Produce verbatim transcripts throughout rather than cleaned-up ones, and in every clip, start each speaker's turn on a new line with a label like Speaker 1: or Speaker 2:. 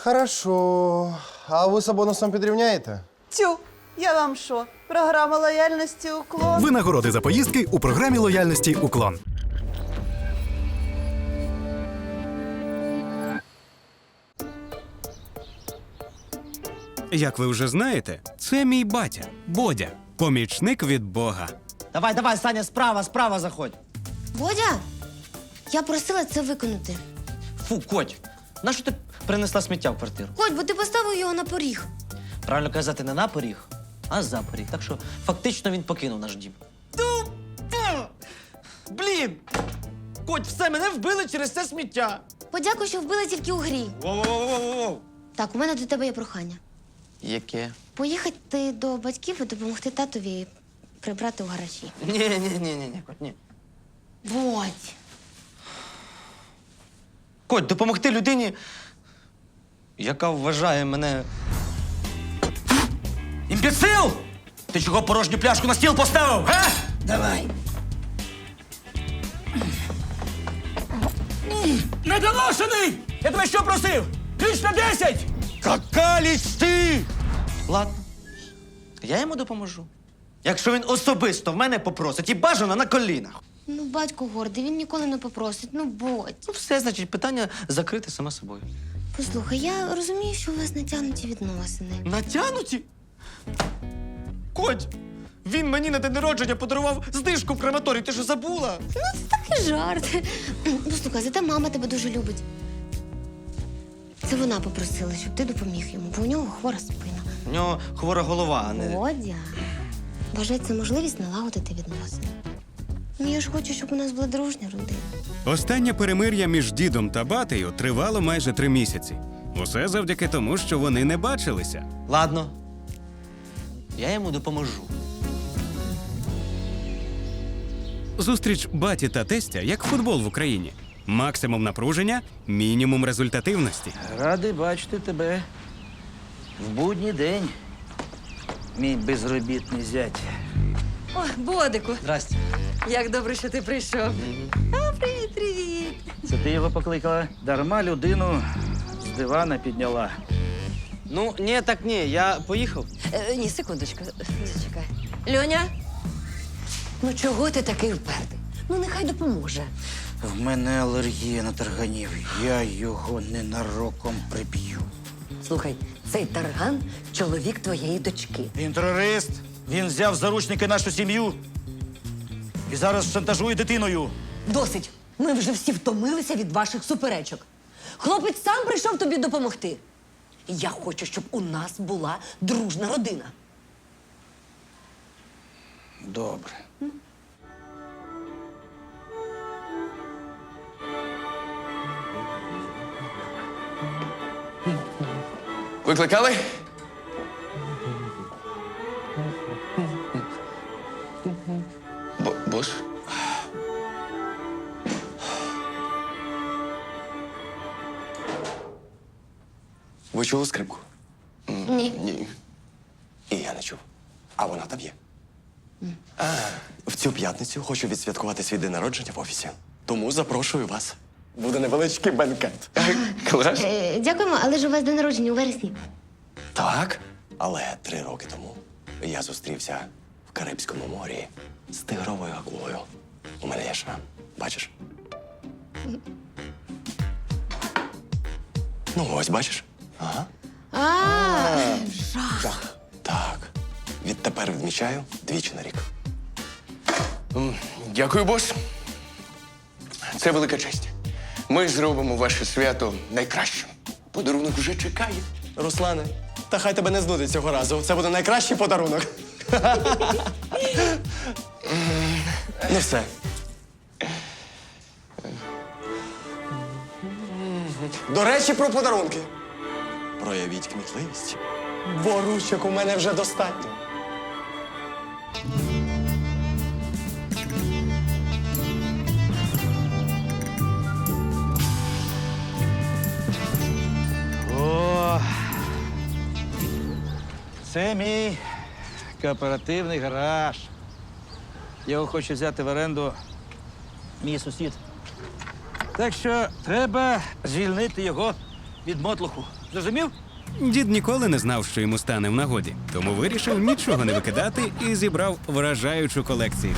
Speaker 1: Хорошо. А ви з бонусом підрівняєте?
Speaker 2: Тю, я вам що? Програма лояльності «Уклон».
Speaker 3: Винагороди за поїздки у програмі лояльності «Уклон».
Speaker 4: Як ви вже знаєте, це мій батя, Бодя, помічник від Бога.
Speaker 5: Давай, давай, Саня, справа, справа заходь.
Speaker 6: Бодя, я просила це виконати.
Speaker 5: Фу, Коть, нащо ти принесла сміття в квартиру?
Speaker 6: Ходь, бо ти поставив його на поріг.
Speaker 5: Правильно казати, не на поріг, а за поріг. Так що фактично він покинув наш дім. Ту! Ту! Блін! Коть, все, мене вбили через це сміття.
Speaker 6: Подякуй, що вбили тільки у грі.
Speaker 5: Воу-воу-воу-воу!
Speaker 6: Так, у мене до тебе є прохання.
Speaker 5: Яке?
Speaker 6: Поїхати до батьків і допомогти татові прибрати у гаражі.
Speaker 5: Ні-ні-ні-ні, Коть, ні.
Speaker 6: Бодь.
Speaker 5: Коть, допомогти людині, яка вважає мене... Імбецил! Ти чого порожню пляшку на стіл поставив, га? Давай. Недоношений! Я тебе що просив? Ключ на десять! Какаліч ти! Ладно, я йому допоможу. Якщо він особисто в мене попросить і бажано на колінах.
Speaker 6: Ну, батько гордий, він ніколи не попросить. Ну, Бодь.
Speaker 5: Ну все, значить, питання закрите саме собою.
Speaker 6: Послухай, я розумію, що у вас натягнуті відносини.
Speaker 5: Натянуті? Коть, він мені на день народження подарував знижку в крематорії. Ти що, забула?
Speaker 6: Ну, це такий жарт. Послухай, зате мама тебе дуже любить. Це вона попросила, щоб ти допоміг йому, бо у нього хвора спина.
Speaker 5: У нього хвора голова, а не...
Speaker 6: Бодя, вважай це можливість налагодити відносини. Ну, я ж хочу, щоб у нас була дружня родина.
Speaker 4: Останнє перемир'я між дідом та батею тривало майже три місяці. Усе завдяки тому, що вони не бачилися.
Speaker 5: Ладно. Я йому допоможу.
Speaker 4: Зустріч баті та тестя, як футбол в Україні. Максимум напруження, мінімум результативності.
Speaker 7: Радий бачити тебе в будній день, мій безробітний зять.
Speaker 8: О, Бодику,
Speaker 5: Здрасте.
Speaker 8: як добре, що ти прийшов. А, привіт, привіт.
Speaker 7: Це ти його покликала? Дарма людину з дивана підняла.
Speaker 5: Ну, ні, так ні, я поїхав.
Speaker 8: Е, ні, секундочку, зачекай. Льоня, ну чого ти такий впертий? Ну, нехай допоможе.
Speaker 7: В мене алергія на тарганів. Я його ненароком приб'ю.
Speaker 8: Слухай, цей тарган – чоловік твоєї дочки.
Speaker 7: Він терорист. Він взяв в заручники нашу сім'ю і зараз шантажує дитиною.
Speaker 8: Досить. Ми вже всі втомилися від ваших суперечок. Хлопець сам прийшов тобі допомогти. Я хочу, щоб у нас була дружна родина.
Speaker 7: Добре.
Speaker 9: Викликали? Бо- Бос? Ви чули скрипку?
Speaker 6: Ні.
Speaker 9: Ні. І я не чув. А вона там є. А, в цю п'ятницю хочу відсвяткувати свій день народження в офісі. Тому запрошую вас. Буде невеличкий бенкет. Клас?
Speaker 6: Е, дякуємо, але ж у вас день народження у вересні.
Speaker 9: Так, але три роки тому я зустрівся в Карибському морі з тигровою акулою. У мене є шрам. Бачиш? Ну, ось бачиш. Ага.
Speaker 6: А,
Speaker 9: Жах. Так. Відтепер відмічаю двічі на рік. М, Дякую, бос. Це велика честь. Ми зробимо ваше свято найкращим. Подарунок вже чекає.
Speaker 1: Руслане, та хай тебе не знудить цього разу. Це буде найкращий подарунок. Ну все. До речі, про подарунки. Проявіть кмітливість. Бо ручок у мене вже достатньо.
Speaker 7: О, це мій кооперативний гараж. Його хоче взяти в оренду мій сусід. Так що треба звільнити його від мотлуху. Зрозумів?
Speaker 4: Дід ніколи не знав, що йому стане в нагоді, тому вирішив нічого не викидати і зібрав вражаючу колекцію.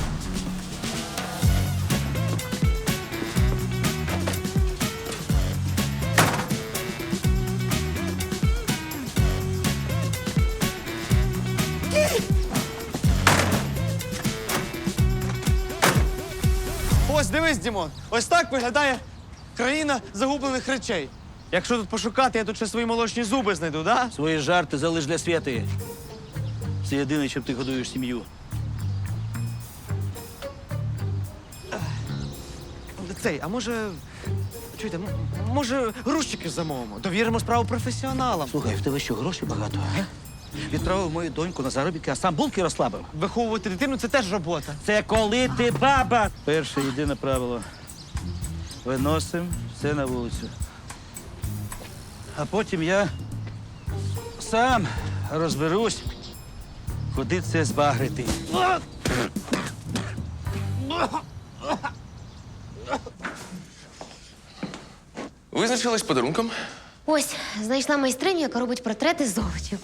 Speaker 1: Ось дивись, Дімон, ось так виглядає країна загублених речей. Якщо тут пошукати, я тут ще свої молочні зуби знайду, да?
Speaker 7: Свої жарти залиш для Свєти. Це єдине, чим ти годуєш сім'ю.
Speaker 1: Цей, а може. Чуєте, м- може, грузчики замовимо? Довіримо справу професіоналам.
Speaker 7: Слухай, в тебе що, грошей багато? А? Відправив мою доньку на заробітки, а сам булки розслабив.
Speaker 1: Виховувати дитину це теж робота.
Speaker 7: Це коли ти баба. Перше єдине правило. Виносимо все на вулицю. А потім я сам розберусь, куди це збагрити.
Speaker 9: Визначились подарунком?
Speaker 6: Ось, знайшла майстриню, яка робить портрети з овочів.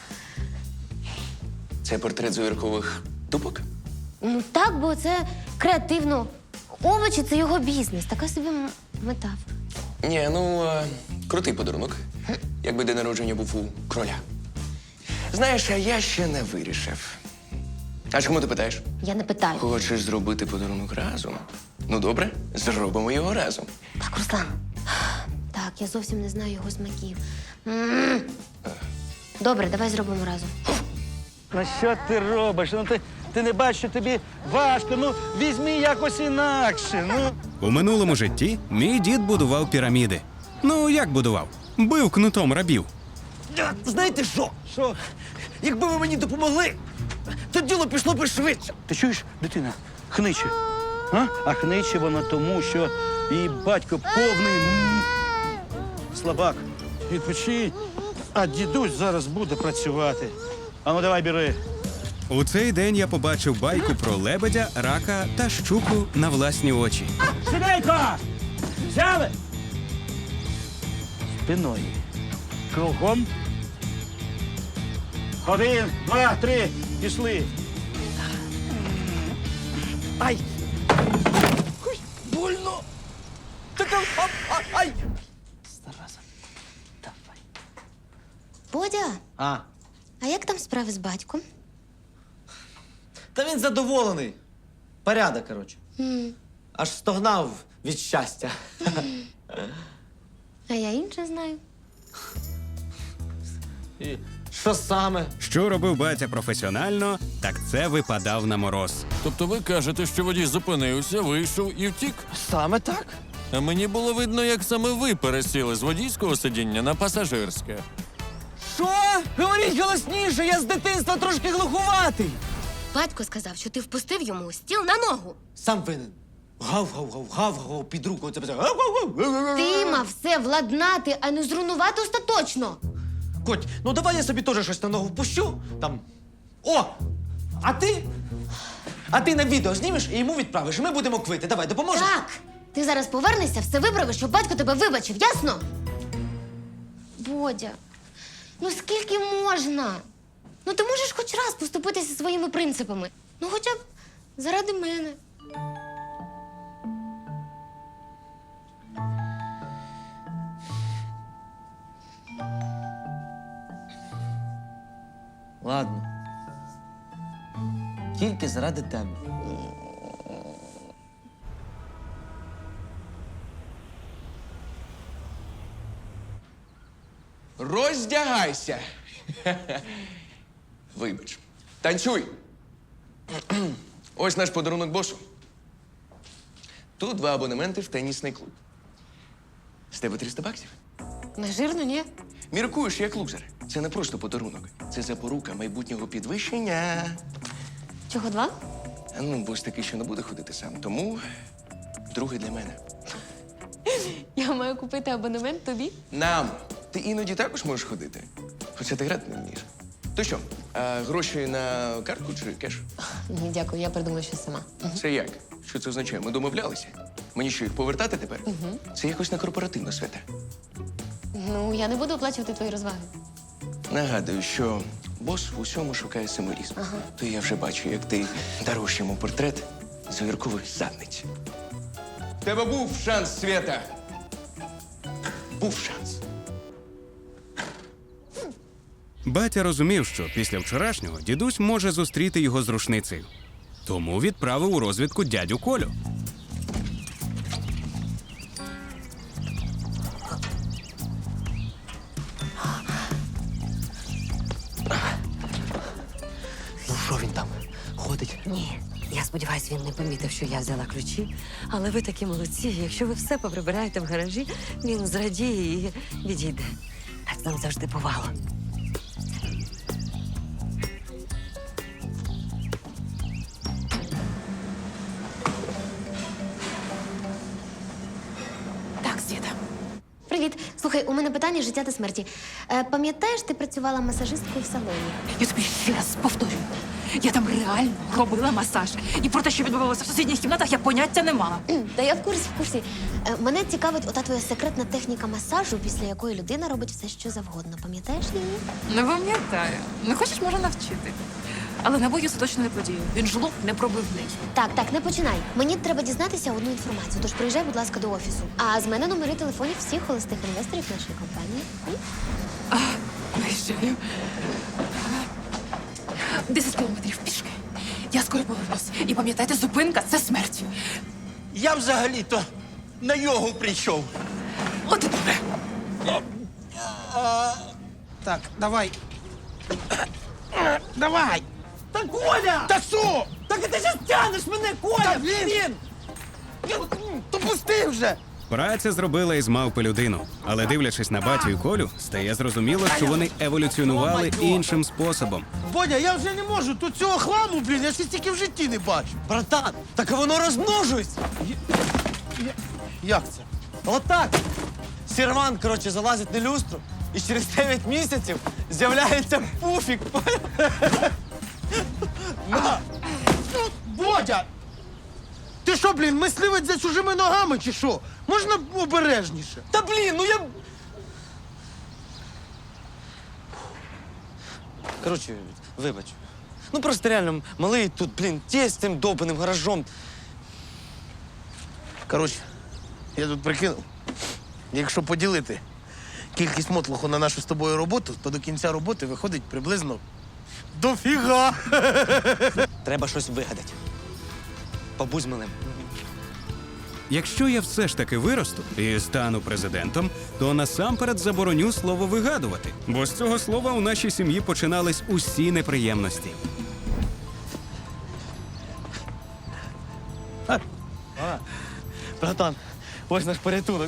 Speaker 9: Це портрет зойеркових дубок?
Speaker 6: Ну так, бо це креативно. Овочі це його бізнес, така собі м- метафора.
Speaker 9: Ні, ну, е, крутий подарунок. Якби день народження був у кроля. Знаєш, а я ще не вирішив. А чому ти питаєш?
Speaker 6: Я не питаю.
Speaker 9: Хочеш зробити подарунок разом? Ну, добре, зробимо його разом.
Speaker 6: Так, Руслан. Так, я зовсім не знаю його смаків. М. Добре, давай зробимо разом.
Speaker 7: Ну що ти робиш? Ну ти, ти не бачиш, що тобі важко. Ну візьми якось інакше. Ну.
Speaker 4: У минулому житті мій дід будував піраміди. Ну, як будував? Бив кнутом рабів.
Speaker 1: Знаєте що?
Speaker 7: Що?
Speaker 1: Якби ви мені допомогли, то діло пішло би швидше.
Speaker 7: Ти чуєш, дитина? Хниче. А? А хниче вона тому, що її батько повний м, слабак. Відпочинь, а дідусь зараз буде працювати. А ну давай бери.
Speaker 4: У цей день я побачив байку про лебедя, рака та щуку на власні очі.
Speaker 7: Сідейко! Взяли! Спиною. Кругом. Один, два, три. Пішли.
Speaker 1: Ай! Ой, больно! Так, а, а, ай!
Speaker 7: Зараза. Давай.
Speaker 6: Бодя,
Speaker 1: А,
Speaker 6: а як там справи з батьком?
Speaker 1: та він задоволений. Порядок, коротше.
Speaker 6: М.
Speaker 1: Аж стогнав від щастя.
Speaker 6: А я інше знаю.
Speaker 1: І що саме?
Speaker 4: Що робив батя професіонально, так це випадав на мороз.
Speaker 10: Тобто ви кажете, що водій зупинився, вийшов і втік?
Speaker 1: Саме так?
Speaker 10: А мені було видно, як саме ви пересіли з водійського сидіння на пасажирське.
Speaker 1: Що? Говоріть голосніше, я з дитинства трошки глухуватий.
Speaker 6: Батько сказав, що ти впустив йому стіл на ногу.
Speaker 1: Сам винен. Гав-гав-гав, гав-гав, під руку. Оце все. Гав-гав-гав.
Speaker 6: Ти мав все владнати, а не зруйнувати остаточно.
Speaker 1: Коть, ну давай я собі теж щось на ногу впущу. Там. О! А ти? А ти на відео знімеш і йому відправиш. І ми будемо квити. Давай, допоможеш?
Speaker 6: Так, ти зараз повернешся, все виправиш, щоб батько тебе вибачив, ясно? Бодя, ну скільки можна? Ну ти можеш хоч раз поступитися своїми принципами. Ну хоча б заради мене.
Speaker 1: Ладно. Тільки заради тебе.
Speaker 9: Роздягайся. Вибач. Танцюй. Ось наш подарунок босу. Тут два абонементи в тенісний клуб. З тебе триста баксів.
Speaker 6: Не жирно, ні?
Speaker 9: Міркуєш як лузер. Це не просто подарунок. Це запорука майбутнього підвищення.
Speaker 6: Чого два?
Speaker 9: Ну, бос такий, що не буде ходити сам. Тому другий для мене.
Speaker 6: Я маю купити абонемент тобі.
Speaker 9: Нам. Ти іноді також можеш ходити. Хоча ти грати не вмієш. То що, а гроші на картку чи кеш?
Speaker 6: Ні, дякую, я придумаю щось сама.
Speaker 9: Це як? Що це означає? Ми домовлялися. Мені що, їх повертати тепер? Це якось не корпоративно, Свята.
Speaker 6: Ну, я не буду оплачувати твої розваги.
Speaker 9: Нагадую, що бос в усьому шукає символізм.
Speaker 6: Ага.
Speaker 9: То я вже бачу, як ти даруєш йому портрет з огіркової задниці. В тебе був шанс, Свята. Був шанс.
Speaker 4: Батя розумів, що після вчорашнього дідусь може зустріти його з рушницею. Тому відправив у розвідку дядю Колю.
Speaker 1: Ну що він там? Ходить?
Speaker 8: Ні. Я сподіваюся, він не помітив, що я взяла ключі. Але ви такі молодці. Якщо ви все поприбираєте в гаражі, він зрадіє і відійде. Так нам завжди бувало.
Speaker 11: Так, Світа.
Speaker 6: Привіт. Слухай, у мене питання життя та смерті. Е, пам'ятаєш, ти працювала масажисткою в салоні?
Speaker 11: Я тобі ще раз повторюю. Я там реально робила масаж. І про те, що відбувалося в сусідніх кімнатах, я поняття не мала.
Speaker 6: Та я в курсі, в курсі. Е, мене цікавить ота твоя секретна техніка масажу, після якої людина робить все, що завгодно. Пам'ятаєш її?
Speaker 11: Не пам'ятаю. Не хочеш, може, навчити. Але на бою це точно не подію. Він жлоб непробивний.
Speaker 6: Так, так, не починай. Мені треба дізнатися одну інформацію, тож приїжджай, будь ласка, до офісу. А з мене номери телефонів всіх холостих інвесторів нашої компанії. М?
Speaker 11: Виїжджаю. Десять кілометрів пішки. Я скоро повернусь. І пам'ятайте, зупинка це смерть.
Speaker 7: Я взагалі-то на йогу прийшов.
Speaker 11: От і добре.
Speaker 7: Так, давай. Давай! Та Коля! Та що? Так ти ж тянеш мене, Коля! Та блін! То пусти вже!
Speaker 4: Праця зробила із мавпи людину. Але дивлячись на батю і Колю, стає зрозуміло, що вони еволюціонували іншим способом.
Speaker 7: Бодя, я вже не можу. Тут цього хламу, блін, я ще стільки в житті не бачу.
Speaker 1: Братан, так воно розмножується.
Speaker 7: Як це?
Speaker 1: Отак. Сервант, коротше, залазить на люстру, і через дев'ять місяців з'являється пуфік.
Speaker 7: На! Бодя! Ти що, блін, мисливець за чужими ногами чи що? Можна обережніше?
Speaker 1: Та блін, ну я. Коротше, вибач. Ну просто реально малий тут, блін, ті з цим довбаним гаражом.
Speaker 7: Коротше, я тут прикинув. Якщо поділити кількість мотлуху на нашу з тобою роботу, то до кінця роботи виходить приблизно дофіга.
Speaker 1: Треба щось вигадати. Побудь з малим.
Speaker 4: Якщо я все ж таки виросту і стану президентом, то насамперед забороню слово вигадувати. Бо з цього слова у нашій сім'ї починались усі неприємності.
Speaker 1: Братан, ось наш порятунок.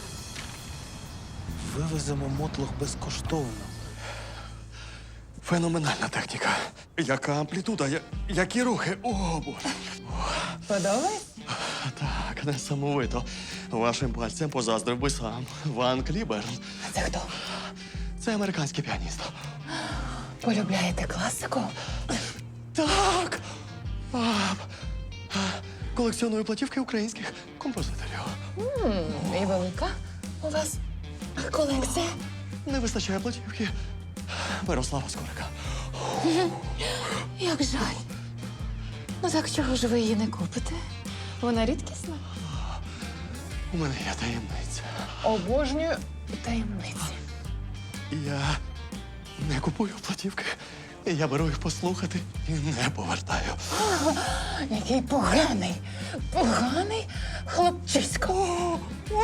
Speaker 7: Вивеземо мотлух безкоштовно.
Speaker 9: Феноменальна техніка. Яка амплітуда, я- які рухи. О, Боже.
Speaker 11: Подобається?
Speaker 12: Так, несамовито. Вашим пальцем позаздрив би сам Ван Кліберн.
Speaker 11: Це хто?
Speaker 12: Це американський піаніст.
Speaker 11: Полюбляєте класику?
Speaker 12: Так. А, а, колекціоную платівки українських композиторів.
Speaker 11: І велика у вас колекція?
Speaker 12: Не вистачає платівки Мирослава Скорика.
Speaker 11: Як жаль. Ну так чого ж ви її не купите? Вона рідкісна.
Speaker 12: У мене є таємниця.
Speaker 11: Обожнюю таємниці.
Speaker 12: Я не купую платівки. Я беру їх послухати і не повертаю.
Speaker 11: Який поганий, поганий хлопчисько.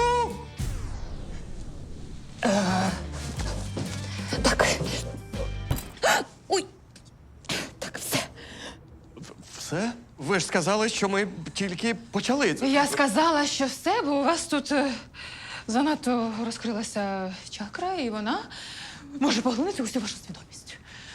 Speaker 11: Е, Так. Ой. Так, все.
Speaker 12: Все? Ви ж сказали, що ми тільки почали.
Speaker 11: Я сказала, що все, бо у вас тут е, занадто розкрилася чакра, і вона може поглинути усю вашу свідомість.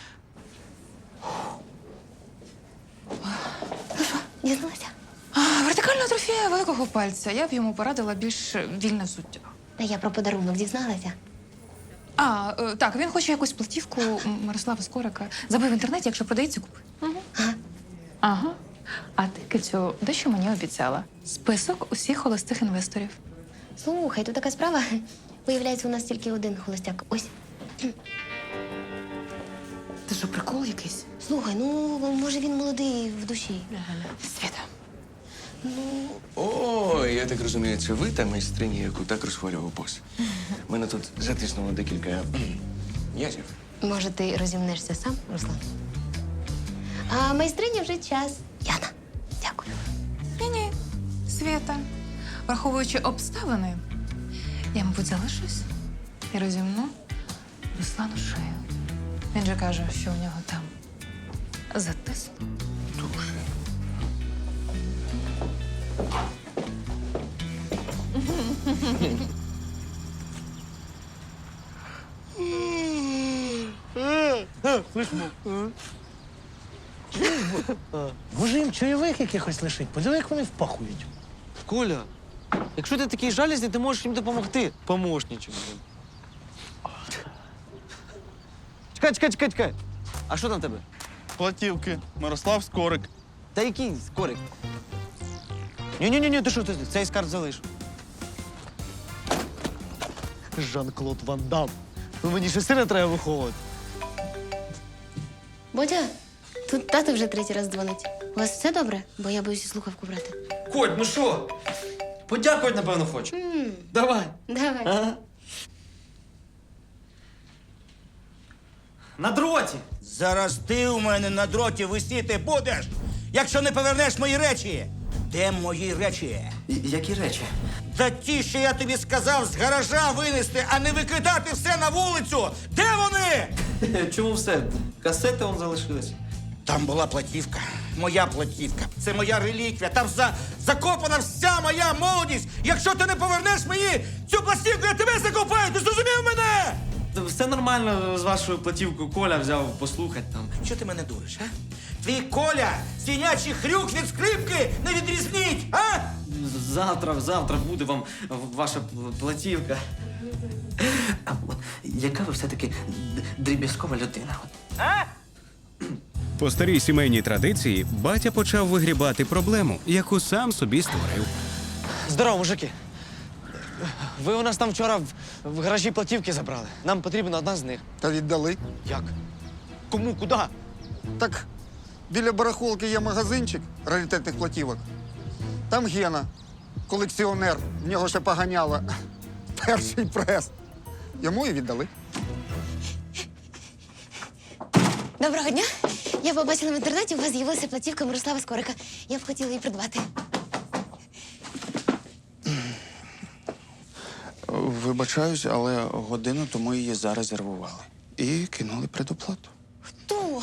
Speaker 6: Дізналася?
Speaker 11: А, вертикальна атрофія великого пальця. Я б йому порадила більш вільне взуття.
Speaker 6: А я про подарунок дізналася.
Speaker 11: А, е, так, він хоче якусь платівку М- Мирослава Скорика. Забив в інтернеті, якщо продається, купи. Угу. Ага. А ти, Кицю, дещо мені обіцяла. Список усіх холостих інвесторів.
Speaker 6: Слухай, тут така справа. Виявляється, у нас тільки один холостяк. Ось.
Speaker 11: Ти що, прикол якийсь?
Speaker 6: Слухай, ну може він молодий в душі.
Speaker 11: Світа.
Speaker 9: О, я так розумію, це ви та майстриня, яку так розхвалював бос. Мене тут затиснуло декілька кхм, язів.
Speaker 6: Може, ти розімнешся сам, Руслан? А майстрині вже час. Яна, дякую.
Speaker 11: Ні-ні, Світа. Враховуючи обставини, я, мабуть, залишусь і розімну Руслану шию. Він же каже, що у нього там затиснуто.
Speaker 9: Дуже.
Speaker 5: Може їм чайових якихось лишить? Подиви, як вони впахують.
Speaker 1: Коля, якщо ти такий жалізний, ти можеш їм допомогти. Помощничок. Чекай, чекай, чекай, чекай. А що там в тебе?
Speaker 7: Платівки. Мирослав Скорик.
Speaker 1: Та який скорик? Ні-ні-ні, ти що, ти цей скарб залиш. Жан-Клод Ван Дам. Ну мені ще сина треба виховувати.
Speaker 6: Бодя, тут тато вже третій раз дзвонить. У вас все добре? Бо я боюся слухавку брати.
Speaker 1: Коть, ну що? Подякувати, напевно, хочу. Давай.
Speaker 6: Давай.
Speaker 1: Ага. На дроті.
Speaker 5: Зараз ти у мене на дроті висіти будеш, якщо не повернеш мої речі. Де мої речі?
Speaker 1: Які речі?
Speaker 5: Та ті, що я тобі сказав, з гаража винести, а не викидати все на вулицю. Де вони?
Speaker 1: Чому все? Касети он залишились.
Speaker 5: Там була платівка. Моя платівка. Це моя реліквія. Там за... закопана вся моя молодість. Якщо ти не повернеш мені цю пластівку, я тебе закопаю. Ти зрозумів мене?
Speaker 1: Все нормально з вашою платівкою. Коля взяв послухати там.
Speaker 5: Що ти мене дуриш, а? Твій Коля, свинячий хрюк від скрипки не відрізніть, а?
Speaker 1: Завтра, завтра буде вам ваша платівка. А от яка ви все-таки дріб'язкова людина?
Speaker 4: По старій сімейній традиції батя почав вигрібати проблему, яку сам собі створив.
Speaker 1: Здорово, мужики. Ви у нас там вчора в, в гаражі платівки забрали. Нам потрібна одна з них.
Speaker 13: Та віддали.
Speaker 1: Як? Кому? Куди?
Speaker 13: Так біля барахолки є магазинчик раритетних платівок. Там Гена, колекціонер, в нього ще поганяло перший прес. Йому і віддали.
Speaker 6: Доброго дня. Я побачила в інтернеті, у вас з'явилася платівка Мирослава Скорика. Я б хотіла її придбати.
Speaker 13: Вибачаюсь, але годину тому її зарезервували. І кинули предоплату.
Speaker 6: Хто?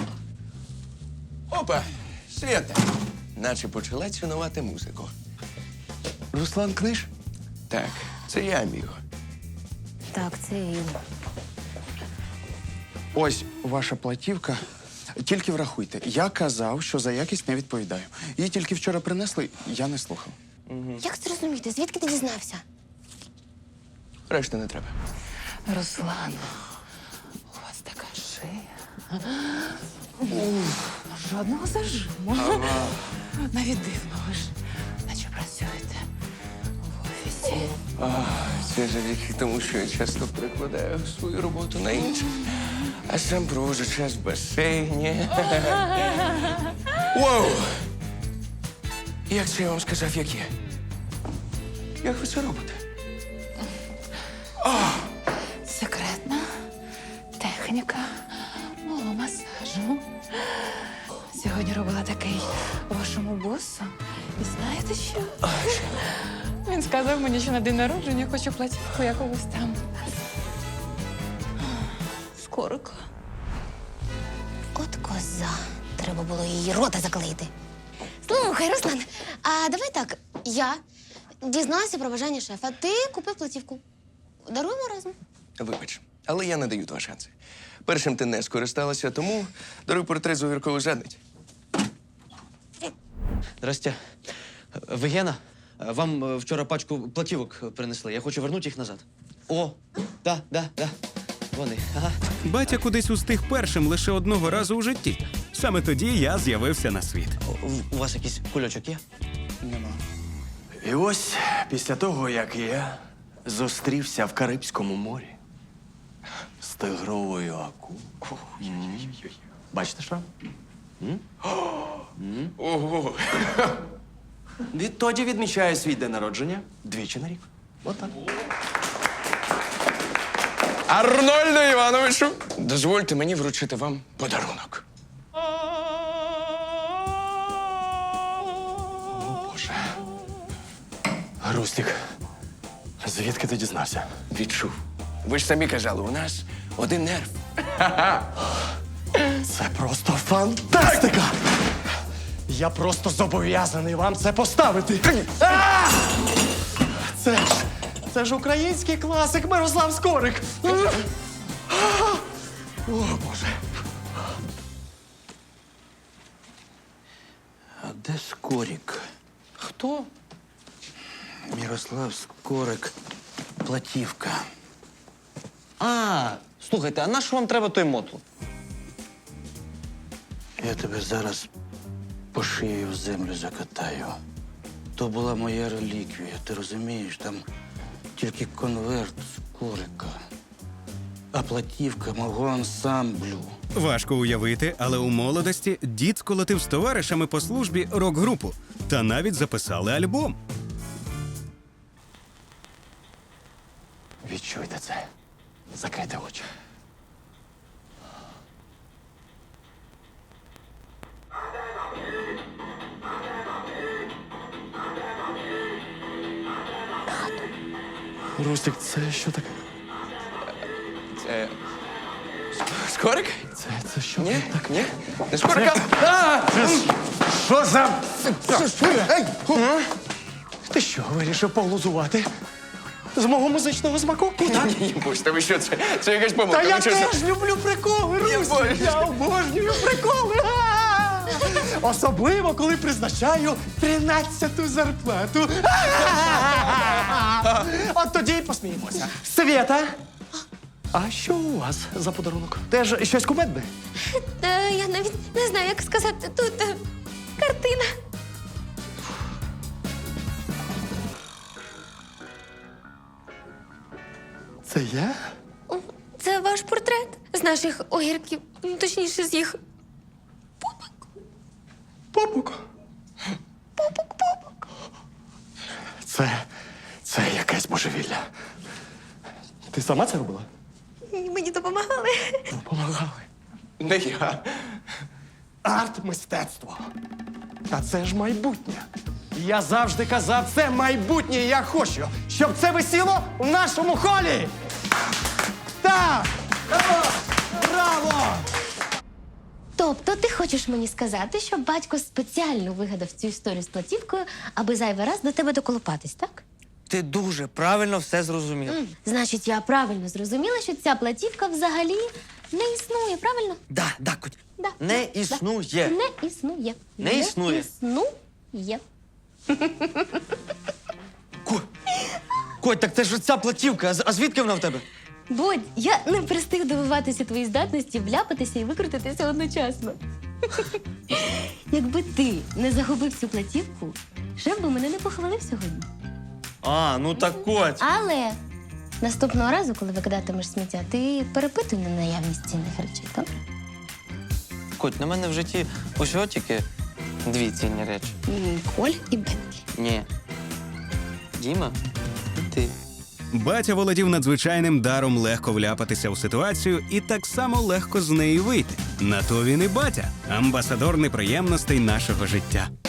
Speaker 9: Опа, Свята. Наче почала цінувати музику. Руслан Книж? Так, це я, Міго.
Speaker 6: Так, це він.
Speaker 13: Ось ваша платівка. Тільки врахуйте, я казав, що за якість не відповідаю. Її тільки вчора принесли, я не слухав.
Speaker 6: Як це розуміти? Звідки ти дізнався?
Speaker 9: Решти не треба.
Speaker 11: Руслан, у вас така шия. Жодного зажиму. Навіть дивно, ви ж наче працюєте в офісі.
Speaker 9: Це завдяки тому, що я часто перекладаю свою роботу на інших. А сам проводжу час в басейні. Воу! Як це я вам сказав, як є? Як ви це робите?
Speaker 11: Секретна техніка мого масажу. Сьогодні робила такий вашому босу. І знаєте що? Він сказав мені, що на день народження хоче платівку якогось там. Скорика.
Speaker 6: От коза. Треба було її рота заклеїти. Слухай, Руслан, а давай так. Я дізналася про бажання шефа. Ти купив платівку. Даруємо разом.
Speaker 9: Вибач, але я не даю два шанси. Першим ти не скористалася, тому даруй портрет з увіркової задниці.
Speaker 1: Здрасте. Ви Гена? Вам е, вчора пачку платівок принесли. Я хочу вернути їх назад. О, да, да, да. Вони. Ага.
Speaker 4: Батя кудись устиг першим лише одного разу у житті. Саме тоді я з'явився на світ.
Speaker 1: У, у вас якийсь кульочок є?
Speaker 13: Нема.
Speaker 9: І ось після того, як я
Speaker 12: зустрівся в Карибському морі з тигровою акулою. М. Бачите що?
Speaker 9: Ого.
Speaker 12: Відтоді відмічає свій день народження двічі на рік. Отак.
Speaker 9: Арнольду Івановичу, дозвольте мені вручити вам подарунок.
Speaker 12: О, Боже. Рустік, звідки ти дізнався?
Speaker 9: Відчув. Ви ж самі казали, у нас один нерв.
Speaker 12: Це просто фантастика! Я просто зобов'язаний вам це поставити. А! Це ж, це ж український класик Мирослав Скорик. А! О, Боже.
Speaker 7: А де Скорик?
Speaker 12: Хто?
Speaker 7: Мирослав Скорик. Платівка.
Speaker 1: А, слухайте, а на що вам треба той мотл?
Speaker 7: Я тебе зараз по шиї в землю закатаю. То була моя реліквія, ти розумієш? Там тільки конверт Скорика, а платівка мого ансамблю.
Speaker 4: Важко уявити, але у молодості дід сколотив з товаришами по службі рок-групу та навіть записали альбом.
Speaker 12: Відчуйте це. Закрийте очі. Рустик, це що таке?
Speaker 9: Це... Скорик?
Speaker 12: Це, це що?
Speaker 9: Ні, так, ні. Не скорика. А!
Speaker 12: Що за... Ти що, вирішив поглузувати? З мого музичного смаку?
Speaker 9: Ні, ні, Бусте, ви що, це, це якась помилка.
Speaker 12: Та я
Speaker 9: Ви чесно-
Speaker 12: теж люблю приколи, Рустик!
Speaker 9: боже.
Speaker 12: Я обожнюю приколи! А! Особливо, коли призначаю тринадцяту зарплату. А! От тоді й посміємося. Свєта! А що у вас за подарунок? Теж щось кумедне?
Speaker 6: Е, я навіть не знаю, як сказати. Тут е, картина.
Speaker 12: Це я?
Speaker 6: Це ваш портрет з наших огірків, ну, точніше, з їх
Speaker 12: Попук?
Speaker 6: попок-попок.
Speaker 12: Це... це якесь божевілля. Ти сама це робила?
Speaker 6: Мені допомагали.
Speaker 12: Допомагали.
Speaker 9: Не я.
Speaker 12: Арт-мистецтво. Та це ж майбутнє. Я завжди казав, це майбутнє, і я хочу, щоб це висіло в нашому холі. Так! Браво!
Speaker 6: Тобто ти хочеш мені сказати, що батько спеціально вигадав цю історію з платівкою, аби зайвий раз до тебе доколупатись, так?
Speaker 1: Ти дуже правильно все зрозумів.
Speaker 6: М, Значить, я правильно зрозуміла, що ця платівка взагалі не існує, правильно?
Speaker 1: Да, да, Коть.
Speaker 6: Да,
Speaker 1: Не
Speaker 6: да,
Speaker 1: існує.
Speaker 6: Не існує.
Speaker 1: Не існує.
Speaker 6: існує.
Speaker 1: Коть, так це ж ця платівка. А з- А звідки вона в тебе?
Speaker 6: Бодь, я не перестиг дивуватися твої здатності вляпатися і викрутитися одночасно. Якби ти не загубив цю платівку, шеф би мене не похвалив сьогодні.
Speaker 1: А, ну так Коть.
Speaker 6: Але наступного разу, коли викидатимеш сміття, ти перепитуй на наявність цінних речей, добре?
Speaker 1: Коть, на мене в житті усього тільки дві цінні речі.
Speaker 6: М, Коль і Бентлі.
Speaker 1: Ні. Діма і ти.
Speaker 4: Батя володів надзвичайним даром легко вляпатися у ситуацію і так само легко з неї вийти. На то він і батя, амбасадор неприємностей нашого життя.